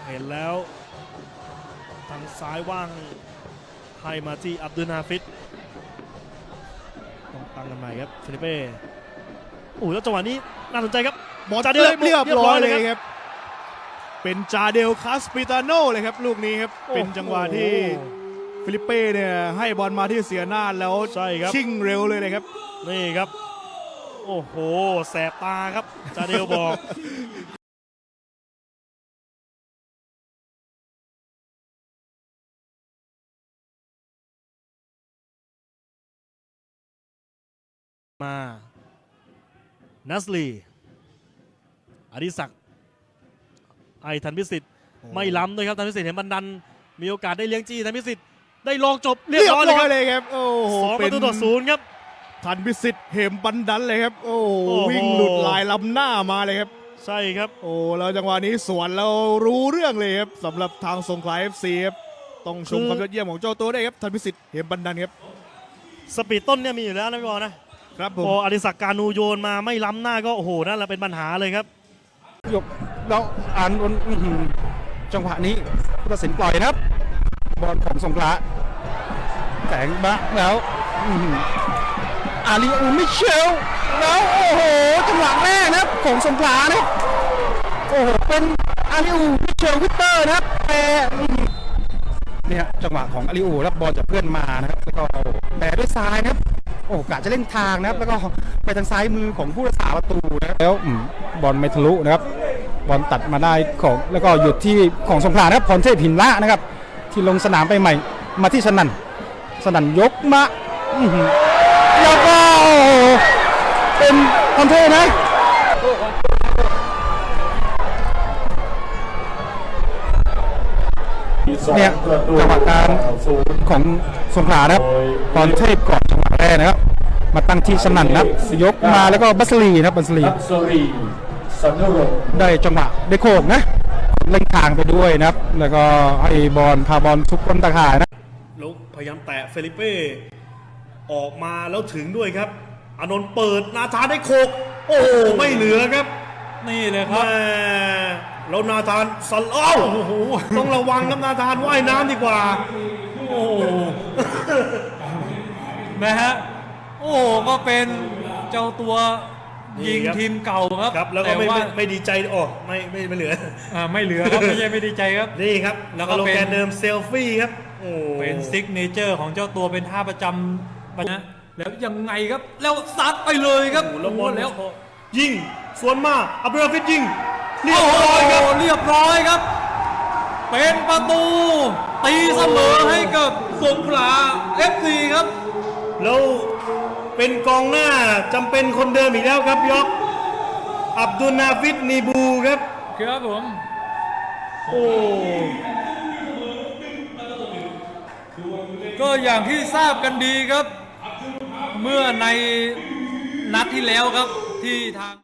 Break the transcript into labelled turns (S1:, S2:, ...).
S1: เห็นแล้วทางซ้ายว่างให้มาที่อับดุลนาฟิดต้องตั้งกันใหม่ครับเฟลิเป้โอ้แล้วจังหวะนี้น่าสนใจครับ
S2: บอลเรียบร้อยเลยครับเป็นจาเดลคาสปิตาโนเลยครับลูกนี้ครับเป็นจังหวะที่ฟิลิปเป้เนี่ยให้บอลมาที่เสียหน้าแล้วชิ่งเร็วเลยครับ
S1: นี่ครับโอ้โหแสบตาครับจาเดลบอกมานัสลีอดิศักดิ์ไอทันพิสิทธิ์ไม่ล้ำด้วยครับทันพิสิทธิ์เห็นบันดันมีโอกาสได้เลี้ยงจี้ทันพิสิทธิ์ได้ลองจบเรียบร้อย
S2: เลยครับโอ้โห
S1: 2-0ครับ
S2: ทันพิสิทธิ์เหมบันดันเลยครับโอ้วิ่งหลุดลายล้ำหน้ามาเลยครับ
S1: ใช่ครับ
S2: โอ้แล้วจังหวะนี้สวนเรารู้เรื่องเลยครับสำหรับทางสงขลา FC ครับต้องชมความยอดเยี่ยมของเจ้าตัวได้ครับทันพิสิทธิ์เหมบันดันครับ
S1: สปีดต้นเนี่ยมีอยู่แล้วนะพี่บอลนะครับผมอดิศักดิ์การนูโยนมาไม่ล้ำหน้าก็โอ้โหนั่นแหละเป็นปัญหาเลยครับ
S3: ยกแล้วอ่านจังหวะนี้ผู้ตัดสินปล่อยนะครับบอลของสงขลาแสงบะแล้วอาลีอูมิเชลแล้วโอ้โหจังหวะแรกนะครับของสงขลานะโอ้โหเป็นอาลีอูมิเชลวิกเตอร์นะครับแต่เนี่ยจังหวะของอาลีอูรับบอลจากเพื่อนมานะครับแล้วก็แต่ด้วยซ้ายนะครับโอ้กะจะเล่นทางนะครับแล้วก็ไปทางซ้ายมือของผู้รักษาประตูนะครับแล้วบอลไม่ทะลุนะครับบอลตัดมาได้ของแล้วก็หยุดที่ของสงขลานะครับพรเทพหินละนะครับที่ลงสนามไปใหม่มาที่สนั่นยกมาแล้วก็เป็นพรเทพนะเนี่ยจังหวะการของสงขลานะครับพรเทพก่อนจังหวะแรกนะครับมาตั้งที่สนั่นนะครับยกมาแล้วก็บัสลีนะครับบัสลีได้จังหวะได้โขกนะเล่นทางไปด้วยนะครับแล้วก็ให้บอลพาบอลทุกคนตะข่ายนะ
S1: แล้วพยายามแตะเฟลิเป้ออกมาแล้วถึงด้วยครับอานนท์เปิดนาธานได้โขกโอ้ไม่เหลือครับ
S4: นี่เลยครับ
S1: แล้วนาธานสัลอ้าวต้องระวังครับนาธานว่ายน้ำดีกว่า
S4: โอ้นะฮะโอ้ก็เป็นเจ้าตัวยิงทีมเก่าครับ
S1: แล้วก็ไม่ดีใจไม่เหลือ
S4: ไม่เหลือครับไม่ใช่ไม่ดีใจครับ
S1: นี่ครับแล้วก็โลแกนเดิมเซลฟี่ครับ
S4: เป็นซิกเนเจอร์ของเจ้าตัวเป็นท่าประจำนะแล้วยังไงครับแล้วซัดไปเลยครับ
S1: แล้วยิงสวนมาอับดุลนาฟิดยิงเรียบ
S4: ร้อยครับเป็นประตูตีเสมอให้กับสงขลา FC ครับ
S1: แล้วเป็นกองหน้าจำเป็นคนเดิมอีกแล้วครับยกอับดุลนาฟิดนีบูครับ
S4: ครับผมก็อย่างที่ทราบกันดีครับเมื่อในนัดที่แล้วครับที่ทาง